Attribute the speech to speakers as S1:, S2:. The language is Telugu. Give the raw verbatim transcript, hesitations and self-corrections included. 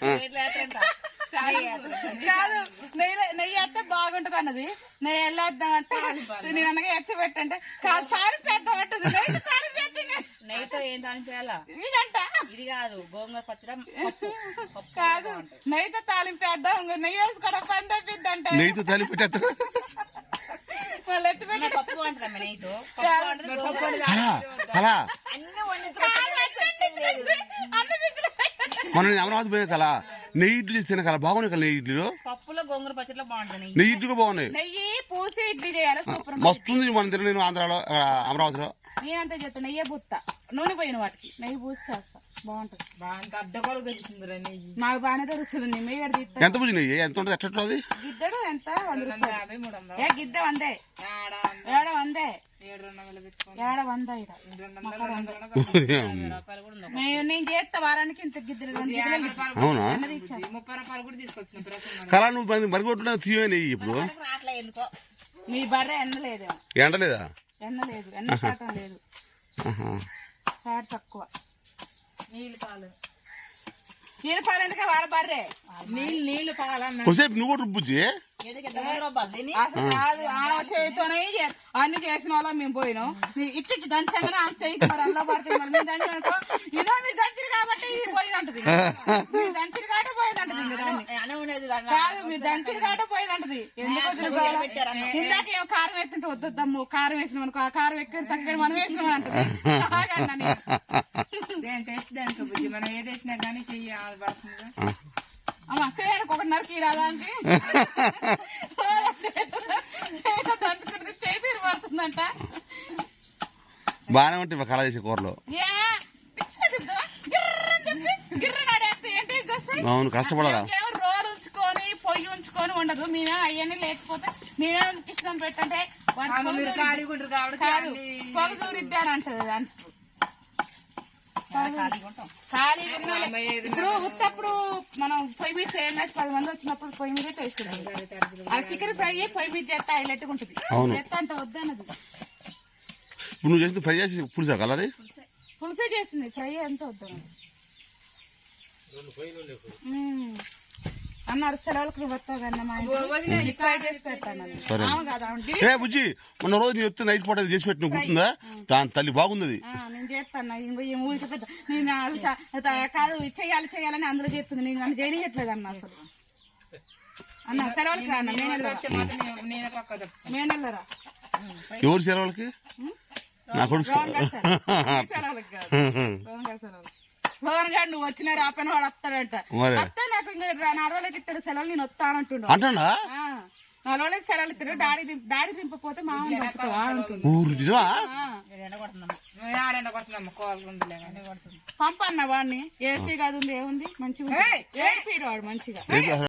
S1: కాదు నెయ్యి నెయ్యి వేస్తే బాగుంటది అన్నది. నెయ్యి వెళ్ళేద్దామంటే నేను అనగా ఎచ్చ పెట్టంటే కాదు తాలింపేద్దాం అంటుంది. నెయ్యి తాలింపేద్దాం
S2: నెయ్యితో ఏం తాలింపేయాలా
S1: ఇదంట
S2: ఇది కాదు గోంగూర పచ్చడి
S1: కాదు నెయ్యితో తాలింపేద్దాం ఇంకా నెయ్యి వేసుకోవడం పని తప్పిద్దంటే
S3: నెయ్యితో తాలింపెట్టేస్తా
S1: వాళ్ళు ఎత్తి పెట్టి
S2: పప్పు అంటారమ్మ నెయ్యితో
S3: అలా అలా
S2: అన్ని
S3: మనం అమరావతి పోయే కల నెయ్యి ఇడ్లీ చేస్తే కల బాగున్నాయి కదా నెయ్యి ఇడ్లీలో
S2: పప్పులో గోంగూర పచ్చడిలో బాగుంటుంది
S3: నెయ్యి ఇడ్లీగా బాగున్నాయి.
S1: నెయ్యి పూసి ఇడ్లీ చేయాలి సూపర్
S3: మస్తుంది మన దగ్గర నేను ఆంధ్రాలో అమరావతిలో
S1: నేనంతా చేస్తాను. నెయ్యి బుత్త నూనె పోయిన వాటికి నెయ్యి పూసి చేస్తా బాగుంటది.
S2: బాగా అడ్డగోలు దొరుకుతుంది నెయ్యి
S1: నాకు బాగానే దొరుకుతుంది. నెయ్యి
S3: ఎంత పూజ నెయ్యి ఎంత ఉంటుంది ఎట్లా అది
S1: గిద్దడు ఎంత యాభై మూడు వందలు ఏ గిద్ద వందే ఏడ వందే ఏడ వంద నేను చేస్తా వారానికి ఇంత గిద్దలు
S3: అవునా
S2: ముప్పై రూపాయలు కూడా తీసుకొచ్చిన
S3: కళ నువ్వు మరిగొట్టున్నా తీవే నెయ్యి ఇప్పుడు
S1: మీ బర్రె ఎండలేదు
S3: ఎండలేదా
S1: ఎండలేదు ఎండ శాతం లేదు ఫ్యాట్ తక్కువ నీళ్ళు పాలు నీళ్ళు పాలు ఎందుకే వాళ్ళ బర్రె నీళ్ళు నీళ్ళు పాలన్న
S3: కొసేపు నువ్వు రుబ్బుజ్జి
S1: అసలు కాదు ఆమె చేయితోనే అన్ని చేసిన వాళ్ళ మేము పోయినాం. ఇట్టి దంచంగానే ఆమె చేయికి మరి అల్లా పడుతుంది. మరి మీరు దంచి అనుకో ఇదో మీరు దంచిరు కాబట్టి ఇది పోయిందంటది. మీరు దంచిరు కాబట్టి పోయిందంటది. కాదు మీరు దంచిరు కాబట్టి పోయిందంటది. ఎందుకు ఇందాక ఏమో కారం వేస్తుంటే వద్దొద్దమ్ము కారం వేసినాం అనుకో ఆ కారం ఎక్కువ తక్కువ మనం వేసినాం అంటది. టేస్ట్ దానికి బుద్ధి మనం ఏది వేసినా కానీ చెయ్యి పడుతుంది. అమ్మా చేయడానికి ఒకటిన్నరకి రాదానికి దంచుకుంటే చేయి తీరు పడుతుందంట.
S3: బాగానే ఉంటాయి కళ చేసే కూరలో. అవును కష్టపడాలా
S1: రోలు ఉంచుకొని పొయ్యి ఉంచుకొని ఉండదు. మేమే అవన్నీ లేకపోతే మేమే కిచెన్ పెట్టంటే పొగ చూరిద్ది అని అంటది. ఖాళీ ఇప్పుడు ఉత్తప్పుడు మనం పొయ్యి మీద చేయాలి. పది మంది వచ్చినప్పుడు పొయ్యి మీదే టేస్ట్ ఉంటుంది. ఆ చికెన్ ఫ్రై పొయ్యి మీద చేస్తే హైలైట్ ఉంటుంది. చేస్తా అంటే వద్దన్నది.
S3: ఇప్పుడు నువ్వు చేస్తే ఫ్రై చేసి పులుసా కలది
S1: పులుసే చేసింది ఫ్రై ఎంత వద్దన్నది అన్నారు. సెలవులకు నువ్వు వస్తావు కన్నా ఫ్రై చేసి పెడతాను.
S3: బుజ్జి మొన్న రోజు నేను వస్తే నైట్ పూట చేసి పెట్టిన గుర్తుందా? దాని తల్లి బాగుంది.
S1: నేను చేస్తాను ఊరికి పెద్ద నేను కాదు చెయ్యాలి చెయ్యాలని అందులో చేస్తుంది. నేను నన్ను చేయట్లేదు అన్న అసలు అన్న సెలవులకి రా అన్న మేనెళ్ళరా
S3: ఎవరు సెలవులకి నా కొడుకు
S1: సెలవులకి కాదు సెలవులు భవన్ గారు నువ్వు వచ్చినా రాపైన వాడు వస్తాడంట. వస్తా నాకు ఇంకా నా రోజులకి ఇస్తాడు సెలవులు నేను వస్తానంటుండు.
S3: అంటా
S1: నా రోజులకి సెలవులు ఇస్తాడు. డాడీ డాడీ దింపపోతే మా పంపన్న వాడిని ఏసీ కాదు ఏముంది మంచిగా వాడు మంచిగా